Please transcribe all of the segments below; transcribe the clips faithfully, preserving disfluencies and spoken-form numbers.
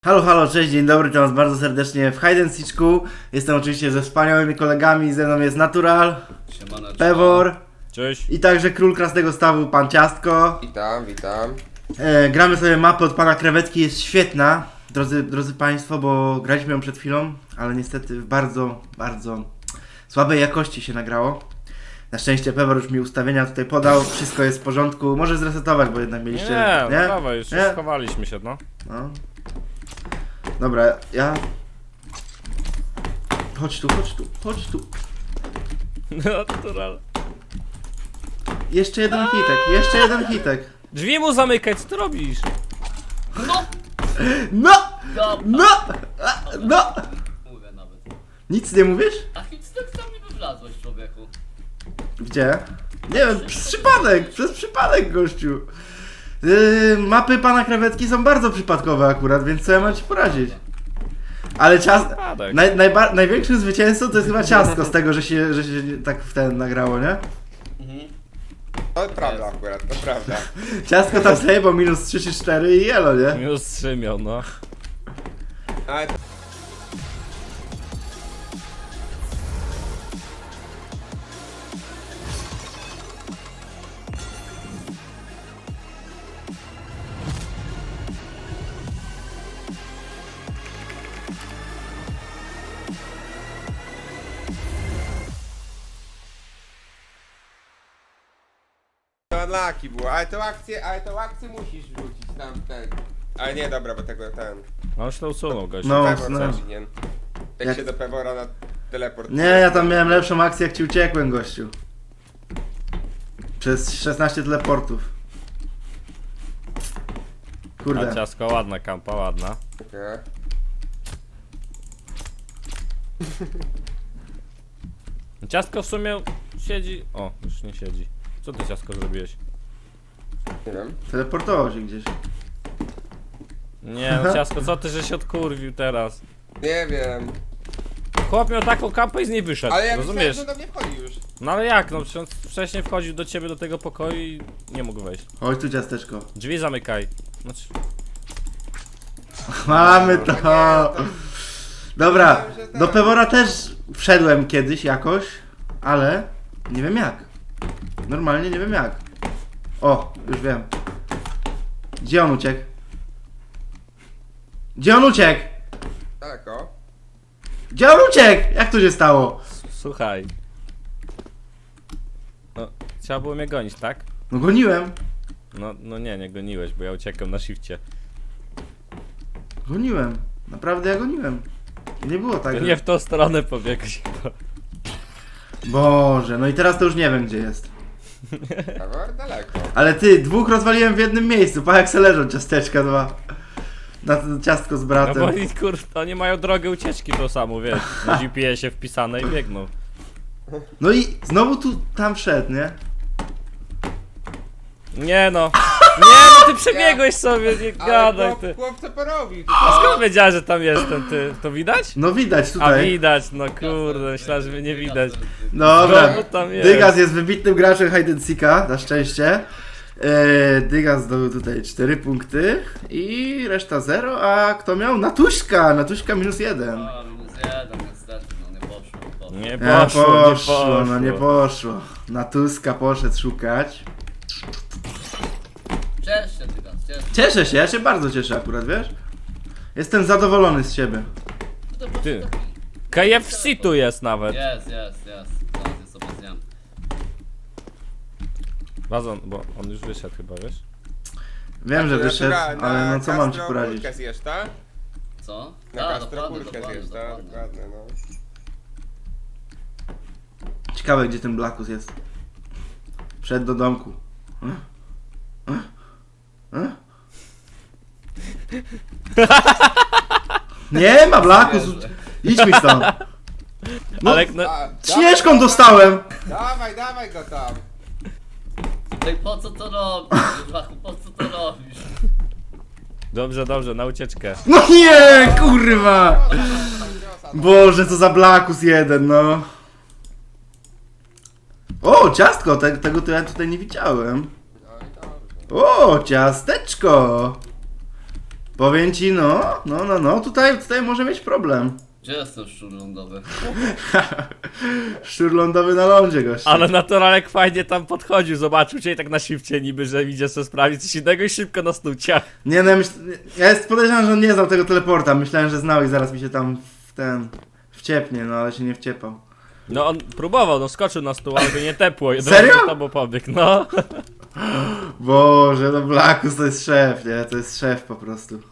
Halo, halo, cześć, dzień dobry, witam was bardzo serdecznie w Hide and Seeku. Jestem oczywiście ze wspaniałymi kolegami, ze mną jest Natural, Siemaneczko. Pewor Cześć. i także król Krasnego Stawu, pan Ciastko. Witam, witam. E, gramy sobie mapę od pana Krewetki, jest świetna, drodzy, drodzy państwo, bo graliśmy ją przed chwilą, ale niestety w bardzo, bardzo słabej jakości się nagrało. Na szczęście Pewor już mi ustawienia tutaj podał, wszystko jest w porządku, może zresetować, bo jednak mieliście... Nie, nie? No dawaj, już Nie? schowaliśmy się, no. No. Dobra, ja... Chodź tu, chodź tu, chodź tu. Natural. Jeszcze jeden hitek, jeszcze jeden hitek. Drzwi mu zamykać, co ty robisz? No! No! Dobra. No! A, no! Mówię nawet. Nic nie mówisz? A nic tak tam nie wywlazłeś, człowieku. Gdzie? Nie wiem, przez przypadek, przez przypadek, gościu. Yy, mapy pana Krewetki są bardzo przypadkowe akurat, więc co ja mam ci poradzić? Ale czas... Przypadek. Naj, najba... Największym zwycięzcą to jest chyba Ciastko z tego, że się, że się tak w ten nagrało, nie? Mhm. To prawda akurat, to prawda. Ciastko tam sobie, bo minus trzy czy cztery i jelo, nie? Minus trzy miał, no. Ale to... To unlucky było, ale tą akcję, ale tą akcję musisz wrzucić tam ten. Ale nie, dobra, bo tego ten... No już to usunął, gościu. No. Pewor no. zawinien. Jak, Jak- się do Pewora na teleport... Nie, ja tam miałem lepszą akcję, jak ci uciekłem, gościu. Przez szesnaście teleportów. A Kurde. ciasko, ładna kampa, ładna. Okej. Ciastko w sumie siedzi... O, już nie siedzi. Co ty, ciastko, zrobiłeś? Nie wiem. Teleportował się gdzieś. Nie, no ciastko, co ty, że się odkurwił teraz? Nie wiem. Chłop miał taką kampę i z niej wyszedł, Ale ja rozumiesz? myślałem, że do mnie wchodzi już. No ale jak, no przecież on wcześniej wchodził do ciebie do tego pokoju i nie mógł wejść. Chodź tu, ciasteczko. Drzwi zamykaj. Znaczy... Mamy to. Dobra, Myślałem, że tak. do Pewora też wszedłem kiedyś jakoś, ale nie wiem jak. Normalnie nie wiem jak. O, już wiem. Gdzie on uciekł? Gdzie on uciekł? Tak, o. Gdzie on uciekł? Jak to się stało? Słuchaj. No, trzeba było mnie gonić, tak? No goniłem. No, no nie, nie goniłeś, bo ja uciekam na shifcie. Goniłem. Naprawdę ja goniłem. Nie było tak, To że... nie w tą stronę pobiegłeś chyba. Boże, no i teraz to już nie wiem gdzie jest. Pewor daleko. Ale ty, dwóch rozwaliłem w jednym miejscu, pa jak se leżą ciasteczka dwa. Na to ciastko z No bratem. bo oni, kurde, oni mają drogę ucieczki tą samą, wiesz. Na G P S-ie wpisane i biegną. No i znowu tu, tam wszedł, nie? Nie no. Nie no, ty przebiegłeś sobie, nie Ale gadaj chłop, ty. chłop co porobił A tutaj. skąd wiedziałeś, że tam jestem, ty? To widać? No widać A tutaj. widać, no kurde, myślałem, że mnie nie widać. Dobra. Znowu tam jest. Dygas jest wybitnym graczem Hide and Seeka, na szczęście. Eee, Dygas zdobył tutaj cztery punkty i reszta zero, a kto miał? Natuśka! Natuśka minus jeden. A, minus jeden, niestety, no nie poszło. poszło. Nie Nie poszło, poszło, nie poszło. no nie poszło. Natuska poszedł szukać. Ciesz się, ty tam, ciesz się. Cieszę się, ja się bardzo cieszę akurat, wiesz? Jestem zadowolony z siebie. To po Ty. prostu taki- K F C tu jest nawet. Jest, jest, jest. Zaraz je sobie zjem. Wazon, bo on już wyszedł chyba, wiesz? Wiem, że wyszedł, Naturalna, ale no co mam ci Castro poradzić? kulkę zjesz, tak? Co? Na A, Castro dokładnie, kulkę dokładnie, zjesz, tak? dokładnie. Dokładnie, no. Ciekawe gdzie ten Blackus jest. Wszedł do domku. Hm? Hm? Hm? Nie ma Blackus! Idź mi stąd! No, Ale no, A, śnieżką dostałem! Dawaj, dawaj go tam. Ej, po co to robisz? Blachu, po co to robisz? dobrze, dobrze, na ucieczkę. No nie, kurwa! Boże, co za Blackus jeden, no. O, ciastko, te, tego to ja tutaj nie widziałem. No i dobrze. O, ciasteczko! Powiem ci, no, no, no, no, tutaj, tutaj może mieć problem. Gdzie jest ten szczur lądowy? Szczur lądowy na lądzie, gościu. Ale naturalek fajnie tam podchodził, zobaczył cię i tak na shifcie niby, że idzie sobie sprawić coś innego i szybko na snucia. Nie no, ja, myśl... ja jest podejrzewam, że on nie znał tego teleporta. Myślałem, że znał i zaraz mi się tam w ten... wciepnie, no ale się nie wciepał. No on próbował, no skoczył na stół, ale go nie tepło. i Serio? To bo pobiegł, no. Boże, no Blackus to jest szef, nie? To jest szef po prostu.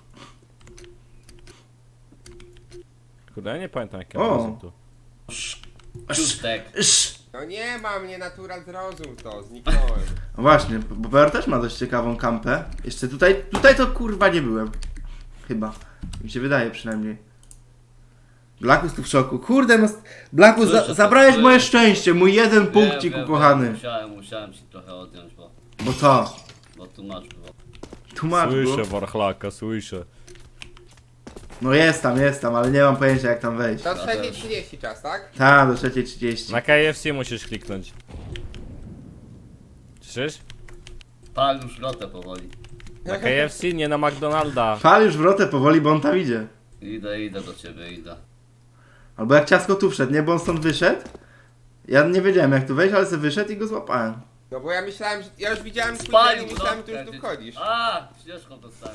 Kurde, ja nie pamiętam jakie O. mam tu. Ciustek. Sz. No nie ma mnie, natura zrozum to, zniknąłem. No właśnie, bo Bear też ma dość ciekawą kampę. Jeszcze tutaj, tutaj to kurwa nie byłem. Chyba. Mi się wydaje przynajmniej. Blackus tu w szoku. Kurde, no... Blackus, za, Słyszę, zabrałeś słyszę. moje szczęście, mój jeden Wiem, punkcik wiem, ukochany. wiem, Musiałem, musiałem ci trochę odjąć, bo, Bo co? bo tłumacz było. Tłumacz go. Słyszę Warchlaka, słyszę. No jest tam, jest tam, ale nie mam pojęcia jak tam wejść. Do trzeciej trzydzieści czas, tak? Ta, do trzeciej trzydzieści. Na K F C musisz kliknąć. Słyszysz? Pal już lotę powoli. Na K F C, nie na McDonalda. Fal już wrotę powoli, bo on tam idzie. Idę, idę do ciebie, idę. Albo jak ciasko tu wszedł, nie? Bo on stąd wyszedł. Ja nie wiedziałem jak tu wejść, ale sobie wyszedł i go złapałem. No bo ja myślałem, że... Ja już widziałem twój Spalił dzień i myślałem, że ty lotkę już tu gdzieś. wchodzisz. A, ścieżką dostałem.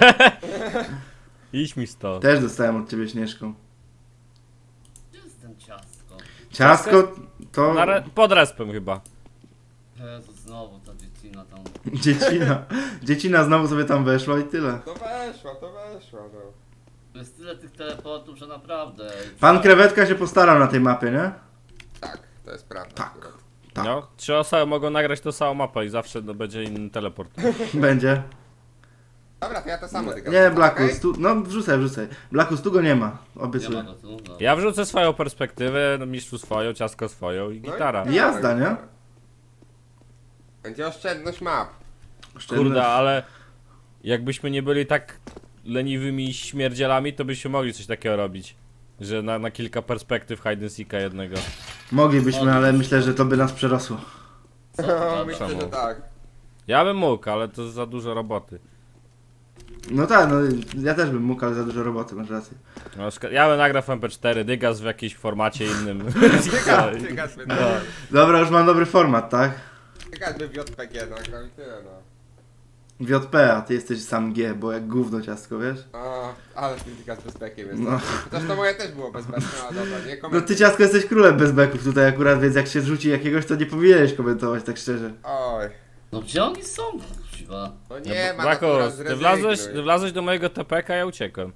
Idź mi stąd. Też dostałem od ciebie śnieżką. Gdzie jest ten ciastko? Ciasko to... Na re- pod respem chyba. Jezu, znowu ta dziecina tam. Dziecina. Dziecina znowu sobie tam weszła i tyle. No weszła, to weszła, no. Jest tyle tych teleportów, że naprawdę... Pan Krewetka się postarał na tej mapie, nie? Tak, to jest prawda. Tak. akurat. Tak. No, trzy osoby mogą nagrać tą samą mapę i zawsze no, będzie inny teleport. Będzie. Dobra, to ja to samo tylko. Nie, Blackus, tu... No wrzucaj, wrzucaj. Blackus, tu go nie ma. Nie ma Obiecuję. go tu, no. Ja wrzucę swoją perspektywę, no, mistrzu swoją, ciasko swoją i No i gitara. tak, Jazda, nie? tak. Będzie oszczędność map. Kurde, ale jakbyśmy nie byli tak leniwymi śmierdzielami, to byśmy mogli coś takiego robić. Że na, na kilka perspektyw hide and seeka jednego. Moglibyśmy, ale myślę, że to by nas przerosło. Co ty No, gadasz? myślę, że Czemu? tak. Ja bym mógł, ale to za dużo roboty. No tak, no ja też bym mógł, ale za dużo roboty, masz rację. Na przykład, ja bym nagrał w M P cztery, Dygas w jakimś formacie innym. Tygas, tygas by, No. Dobra, już mam dobry format, tak? tygas by w J P G nagrał i tyle, no. W J P, a ty jesteś sam G, bo jak gówno ciastko, wiesz? A, ale ten tygas bez bekiem jest. No. No. Chociaż to moje też było bez bekiem, ale dobra, nie No komentuj. ty ciastko jesteś królem bez beków tutaj akurat, więc jak się zrzuci jakiegoś, to nie powinieneś komentować, tak szczerze. Oj, No gdzie oni są? Kuźwa. no nie ma Blackus, natura, ty wlazłeś, zrezygnuj. ty wlazłeś do mojego T P K, ja uciekłem.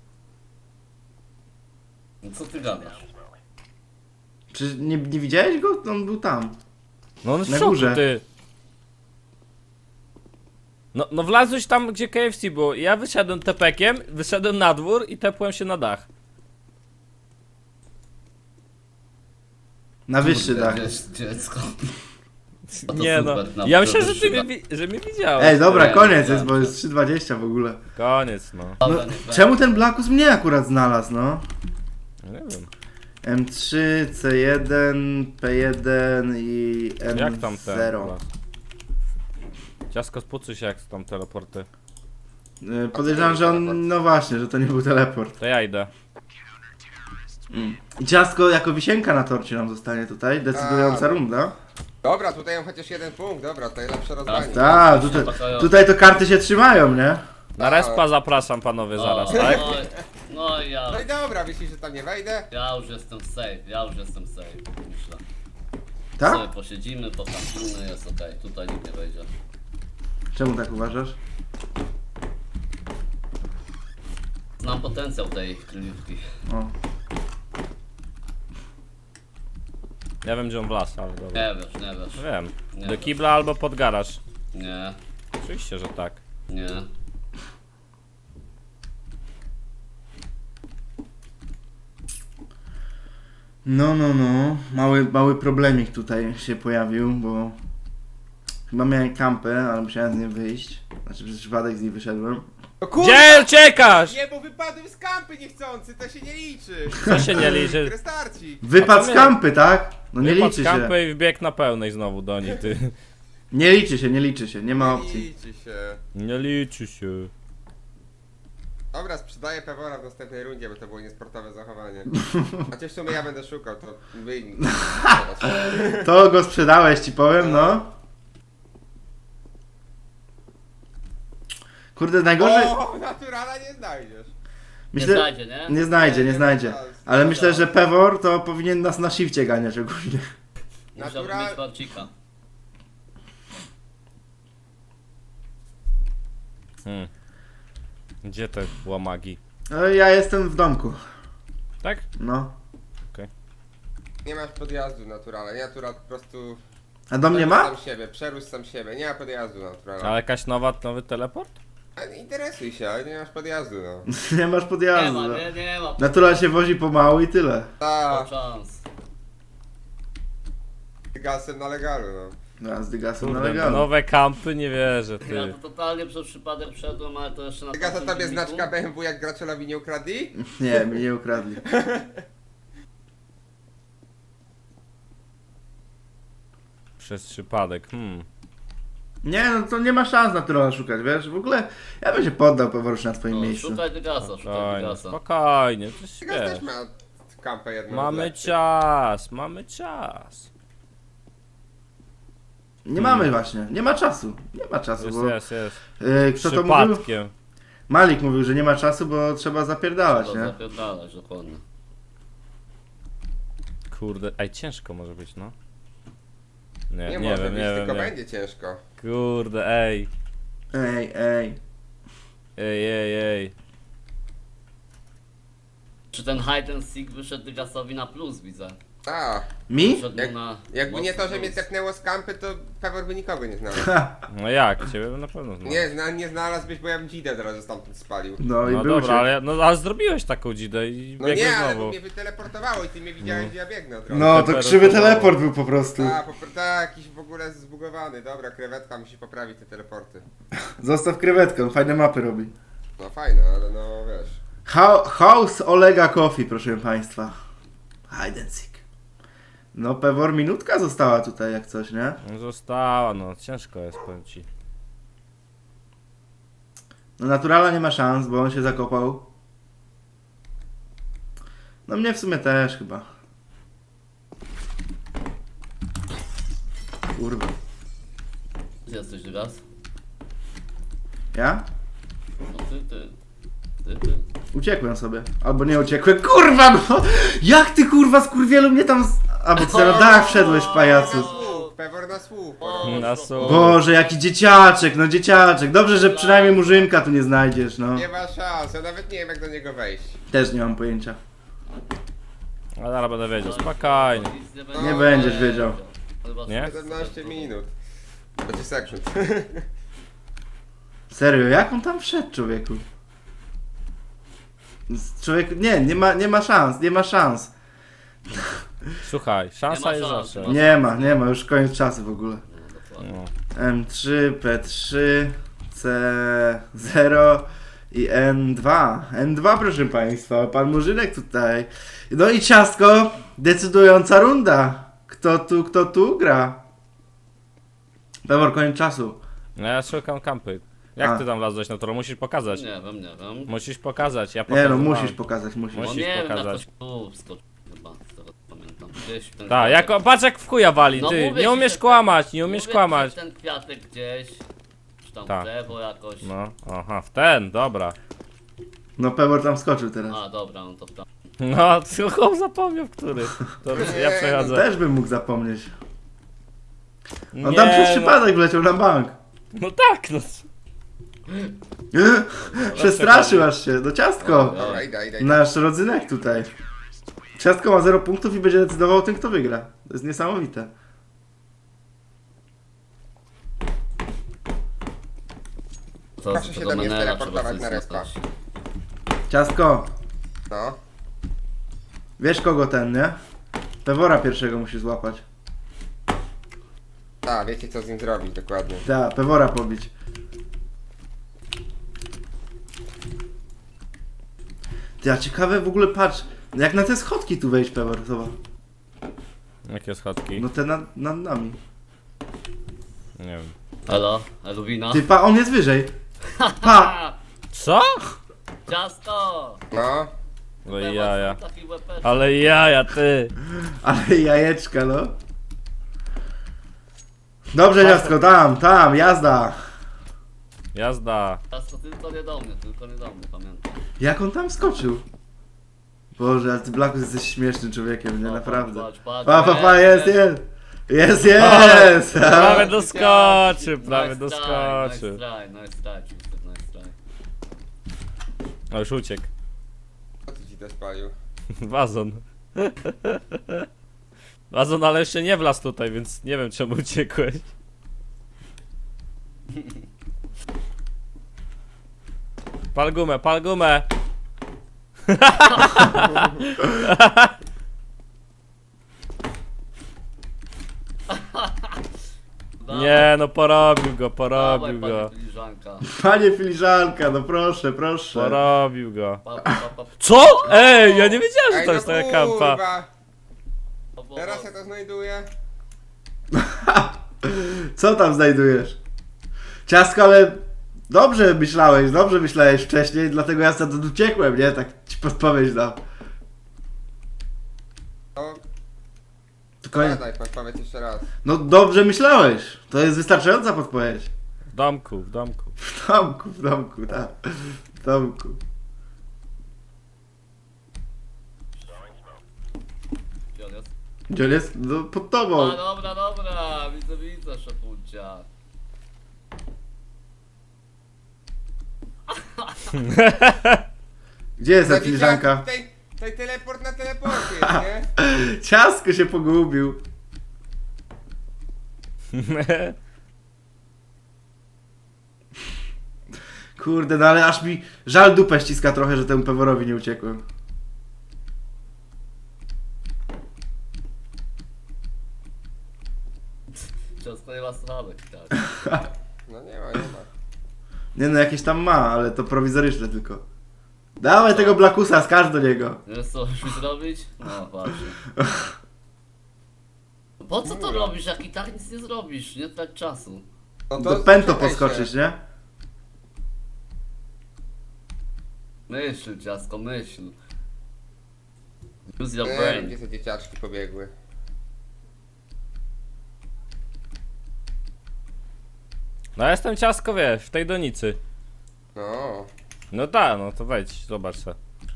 No co ty gadasz? Czy nie, nie widziałeś go? On był tam. No on jest Na w szoku, górze. ty. No, no wlazłeś tam, gdzie K F C było. Ja wyszedłem T P kiem, wyszedłem na dwór i tepłem się na dach. Na wyższy Kurde, dach. gdzie jest dziecko? No to Nie no, super, na ja myślę, że ty wyższy mnie, wi- że mnie widziałeś. Ej, dobra, Nie, koniec nie, jest, bo nie. jest trzy dwadzieścia w ogóle. Koniec, no. No, Dobra, niech czemu ten Blackus mnie akurat znalazł, no? Ja nie wiem. M trzy, C jeden, P jeden i N zero. Jak tam ten? Ciasko spucuj się jak tam teleporty. Y, Podejrzewam, że on, no właśnie, że to nie był teleport. To ja idę. I ciastko jako wisienka na torcie nam zostanie tutaj, decydująca A. runda. Dobra, tutaj mam chociaż jeden punkt, dobra, to lepsze rozdanie. Tak, tutaj, tutaj to karty się trzymają, nie? Na respa zapraszam panowie zaraz, O, tak? No, i- no i ja. No i dobra, myślisz, że tam nie wejdę? Ja już jestem safe, ja już jestem safe, myślę. Tak? Sobie posiedzimy, potampimy, jest okej, tutaj nikt nie wejdzie. Czemu tak uważasz? Znam potencjał tej kryjówki. O. Ja wiem gdzie on wlazł, ale dobra. Nie wiesz, nie wiesz. Wiem. Nie Do wiesz. kibla albo pod garaż. Nie, Oczywiście, że tak. nie. No, no, no. Mały, mały problemik tutaj się pojawił, bo chyba miałem kampę, ale musiałem z niej wyjść. Znaczy przez przypadek z niej wyszedłem. No kurwa! Gdzie uciekasz? Nie, bo wypadłem z kampy niechcący, to się nie liczy. Co się nie liczy? Restarci. Wypad A z co kampy, tak? No nie Wypadł liczy z się. kampy i wbiegł na pełnej znowu do niej, ty. Nie liczy się, nie liczy się, nie ma Nie opcji. liczy się. Nie liczy się. Dobra, sprzedaję Pewora w następnej rundzie, bo to było niesportowe zachowanie. Chociaż w sumie ja będę szukał, to wy... To go sprzedałeś, ci powiem, no. Kurde, najgorzej... O, naturala nie znajdziesz. Myślę... Nie znajdzie, nie? Nie znajdzie, nie Nie, znajdzie. nie ma szans. Ale Nie myślę, ma że Pewor to powinien nas na shifcie ganiać ogólnie. Musiałby Natura- mieć warcika. Hmm. Gdzie te łamagi? No, ja jestem w domku. Tak? No. Nie masz podjazdu naturala, nie natural po prostu... A do mnie przerósł ma? sam siebie, przerósł sam siebie, nie ma podjazdu naturala. Ale jakaś nowa, nowy teleport? A nie interesuj się, ale nie masz podjazdu, no. Nie masz Nie podjazdu. ma, no. nie, nie ma. Natural się wozi pomału i tyle. Ta, Szans. gasem na legalu, no. No, z dygasem na Kurde, legalu. nowe kampy, nie wierzę, Ja ty. to totalnie przez przypadek wszedłem, ale to jeszcze na Gasa tamtym tobie filmiku. znaczka B M W jak graczowi nie ukradli? Nie, mi nie ukradli. Przez przypadek, hmm. Nie, no to nie ma szans naturala szukać, wiesz? W ogóle ja bym się poddał Pewor już na twoim No, miejscu. szukaj Dygasa, szukaj Spokojnie, Dygasa. spokojnie, to Gas też wiesz. ma kampę jedną. Mamy lepszą. czas, mamy czas. Nie mamy właśnie, nie ma czasu. Nie ma czasu, Jest, bo... jest, jest. Yy, kto to mówił? Przypadkiem. Malik mówił, że nie ma czasu, bo trzeba zapierdalać, Trzeba nie? zapierdalać, dokładnie. Kurde, ej, ciężko może być, no. Nie, Nie, nie, może wiem, być, nie tylko wiem, nie. będzie ciężko. Kurde, ej. Ej, ej. Ej, ej, ej. Czy ten hide and seek wyszedł Dygasowi na plus, widzę. A, Mi? Wyszedł Jak- mu na jakby nie to, mocny że mnie plus. tepnęło z kampy, to Pewor by nikogo nie znalazł. No jak? Ciebie bym na pewno znał. Nie, zna, nie znalazłbyś, bo ja bym dzidę teraz stamtąd spalił. No i No był dobra, się. ale, no, ale zrobiłeś taką dzidę i No biegłeś nie, ale znowu. bo mnie wyteleportowało i ty mnie widziałeś, gdzie ja biegnę od razu. No, to Teleport krzywy to- teleport był po prostu. A, po, tak, jakiś w ogóle zbugowany. Dobra, krewetka musi poprawić te teleporty. Zostaw krewetkę, on fajne mapy robi. No fajne, ale no wiesz. Ho- House Olega Coffee, proszę państwa. Hide and seek. No, Pewor minutka została tutaj jak coś, nie? No została, no ciężko jest, powiem ci. No, naturala nie ma szans, bo on się zakopał. No, mnie w sumie też chyba. Kurwa. Gdzie jesteś Dygas? Ja? No ty, ty. Ty, ty. Uciekłem sobie. Albo nie uciekłem. Kurwa, no! Jak ty kurwa skurwielu mnie tam... Z... A, bo ty na dach wszedłeś, Na pajacu. słuch, Pewor na słuch. O, Na szło, słuch. Boże, jaki dzieciaczek, no dzieciaczek. Dobrze, że przynajmniej murzynka tu nie znajdziesz, no. Nie ma szans, ja nawet nie wiem jak do niego wejść. Też nie mam pojęcia. Ale zaraz będę wiedział, spokojnie. Nic nie, Nie będzie. będziesz wiedział. Chyba Nie? siedemnaście minut. Będzie sekund. Serio, jak on tam wszedł, człowieku? Z- Człowiek, nie, nie ma, nie ma szans, nie ma szans. Słuchaj, szansa Nie ma jest szans, zawsze. no. Nie ma, nie ma, już koniec czasu w ogóle. No, dokładnie. No. M trzy, P trzy, C zero i N dwa. N dwa, proszę państwa, pan Murzynek tutaj. No i ciastko, decydująca runda. Kto tu, kto tu gra? Pewor, koniec czasu. No ja szukam kampy. Jak A. ty tam wlazłeś na to? Musisz pokazać. Nie wiem, nie wiem. Musisz pokazać, ja Nie pokażę. no, musisz pokazać, musisz. No Musisz nie wiem, pokazać. jak to tu wskoczył chyba, z tego co pamiętam. Gdzieś w ten Tak, kwiatek. jak, patrz jak w chuja wali, No ty. mówię Nie ci, umiesz że- kłamać, nie umiesz Mówię, kłamać. że ten kwiatek gdzieś, czy tam Tak. w lewo jakoś. No, aha, w ten, dobra. No Pewor tam skoczył teraz. A dobra, no to w tam. No, tylko zapomniał w który. To ja przechodzę. Też bym mógł zapomnieć. On Nie, tam przez no. przypadek wleciał na bank. No tak, no. Przestraszył aż się, do ciastko. Dobra, idę, idę, idę. Nasz rodzynek tutaj. Ciastko ma zero punktów i będzie decydował o tym, kto wygra. To jest niesamowite. Co, Proszę się do mnie teleportować na respa. Ciastko, No. wiesz kogo ten, nie? Pewora pierwszego musi złapać. Tak, wiecie co z nim zrobić dokładnie. Tak, Pewora pobić. Ty, a ciekawe w ogóle, patrz, jak na te schodki tu wejść, Pewor, zobacz. Jakie schodki? No te nad, nad nami. Nie wiem. Halo, Eluwina? Ty, pa, on jest wyżej. Pa! Co? Ciasto! No. No i jaja. Taki łepeczek. Ale jaja, ty. Ale jajeczka, no. Dobrze, ciastko, tam, tam, jazda. Jazda. Ciasto tylko nie do mnie, tylko nie do mnie, pamiętam. Jak on tam skoczył? Boże, ale ty Blackus jesteś śmiesznym człowiekiem, nie? O, Naprawdę. patrz, patrz, Pa, pa, pa, jest, jest, jest. jest. Jest, jest! Prawie doskoczył, prawie Nice try, doskoczył. Nice try, nice try, Twister, nice try. O, już uciekł. Co ty ci to spalił? Wazon. Wazon, ale jeszcze nie wlazł tutaj, więc nie wiem czemu uciekłeś. Pal gumę, pal gumę. Dawaj, Nie no, porobił go, dawaj, porobił pani go. filiżanka. Panie filiżanka, no proszę, proszę. Porobił go. Pa, pa, pa, pa. Co? Ej, ja nie wiedziałem, że Ej, to no jest taka kampa. kurwa. Pa, pa, Teraz ja to znajduję. Co tam znajdujesz? Ciastko, ale dobrze myślałeś, dobrze myślałeś wcześniej, dlatego ja stąd uciekłem, nie? Tak ci podpowiedź dam. No, Tylko nie. daj, powiedz jeszcze raz. No dobrze myślałeś. To jest wystarczająca podpowiedź. W domku, w domku. W domku, w domku, tak. W domku. Gdzie on jest? Gdzie on jest? No pod A tobą. dobra, dobra, widzę, widzę, szefuncia. Gdzie jest ta No, filiżanka? Tutaj, tutaj teleport na teleporcie jest, nie? Ciastko się pogubił. Kurde, no ale aż mi żal dupę ściska trochę, że temu peworowi nie uciekłem. Ciasto nie ma słuchawek, tak. No nie ma, nie ma. Nie no, jakieś tam ma, ale to prowizoryczne tylko. Dawaj tego Blackusa, skarż do niego. Nie wiesz co musisz zrobić? No właśnie. Po co to robisz, jak i tak nic nie zrobisz? Nie trać czasu. No Do pęto czekaj podskoczysz, się. nie? Myśl, ciasko, myśl. Use your Nie wiem, brain. gdzie te dzieciaczki pobiegły. No ja jestem ciasko, wiesz, w tej donicy. No. No tak, no to wejdź, zobacz se.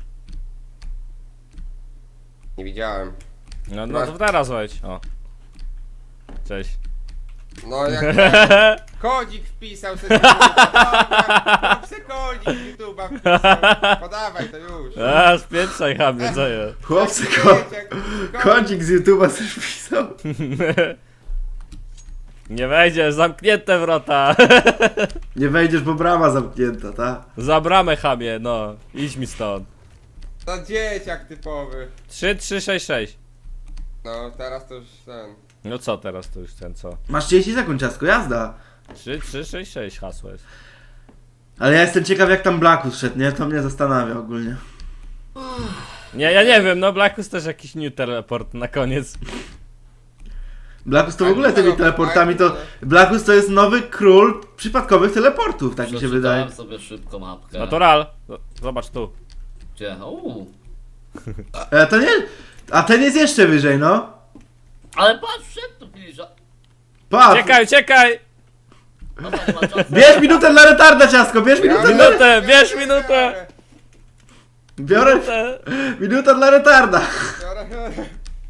Nie widziałem. No, no to teraz wejdź, o. Cześć. No jak ten kodzik wpisał sobie YouTube'a. Wpisał kodzik z YouTube'a wpisał. Podawaj to już. A, spieprzaj chamie, co jest? Chłopcy, Jak ko wiecie, jak- kącik z YouTube'a coś pisał. Nie wejdziesz, zamknięte wrota. Nie wejdziesz, bo brama zamknięta, ta? Za bramę chamie, no. Idź mi stąd. To dzieciak typowy. trzy, trzy, sześć, sześć. No teraz to już ten. No co teraz, to już ten co? Masz trzydzieści sekund, ciastko, jazda. trzy, trzy, sześć, sześć hasło jest. Ale ja jestem ciekaw, jak tam Blackus szedł, nie? To mnie zastanawia ogólnie. Nie, ja nie wiem, no Blackus też jakiś new teleport na koniec. Blackus to w Ale ogóle nie tymi no, teleportami to... ale- Blackus to jest nowy król przypadkowych teleportów, tak mi się wydaje. Przeczytałem sobie szybko mapkę. Natural. Z- Zobacz tu. Gdzie? Uuu. E, to nie... A ten jest jeszcze wyżej, no. Ale patrz, wszedł tu filiża. Patrz! Czekaj, czekaj! Dobra, nie ma czasu. Bierz minutę dla retarda, ciastko, bierz minutę dla... Minutę, bierz minutę! Biorę... Minutę. Minuta dla retarda. Biorę, biorę.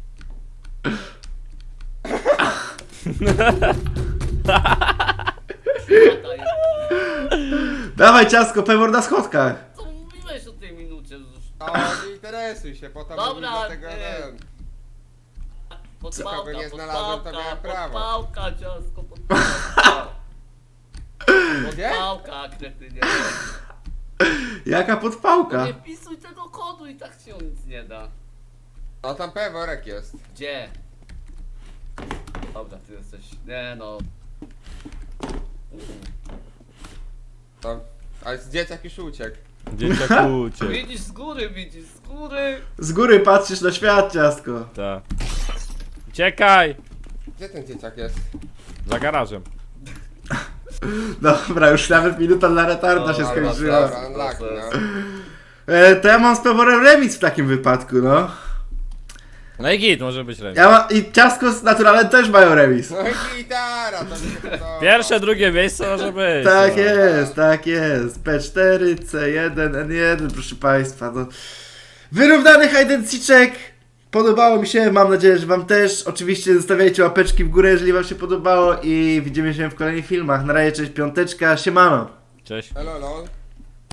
Lata jest. Dawaj, ciastko, pewor na schodkach. Co mówiłeś o tej minucie? Już O, nie interesuj się, potem Dobra, mówisz do tego ty. ten. Podpałka, Kogo nie znalazłem, to podpałka, miałem prawo. podpałka, ciasko, podpałka. Gdzie? Podpałka, kretynie. Jaka No podpałka. nie wpisuj tego kodu i tak ci on nic nie da. No tam peworek jest. Gdzie? Dobra, ty jesteś... Nie no. Tam. Ale z dzieciak już uciekł. Dzieciak uciekł. Widzisz z góry, widzisz z góry. Z góry patrzysz na świat, ciastko. Tak. Uciekaj! Gdzie ten dzieciak jest? Za garażem. Dobra, już nawet minuta dla retarda się Dobra, skończyła. Dobra, unlucky, no. E, to ja mam z Peworem remis w takim wypadku, no. No i git, może być remis. Ja ma, I Ciastko z Naturalem też mają remis. No i gitara, to mi się podoba. Pierwsze, drugie miejsce może być. Tak no. jest, tak jest. P cztery, C jeden, N jeden, proszę Państwa. No. Wyrównany hide and seeczek. Podobało mi się, mam nadzieję, że Wam też. Oczywiście zostawiajcie łapeczki w górę, jeżeli Wam się podobało i widzimy się w kolejnych filmach. Na razie, cześć, piąteczka, siemano. Cześć. Elo, lol.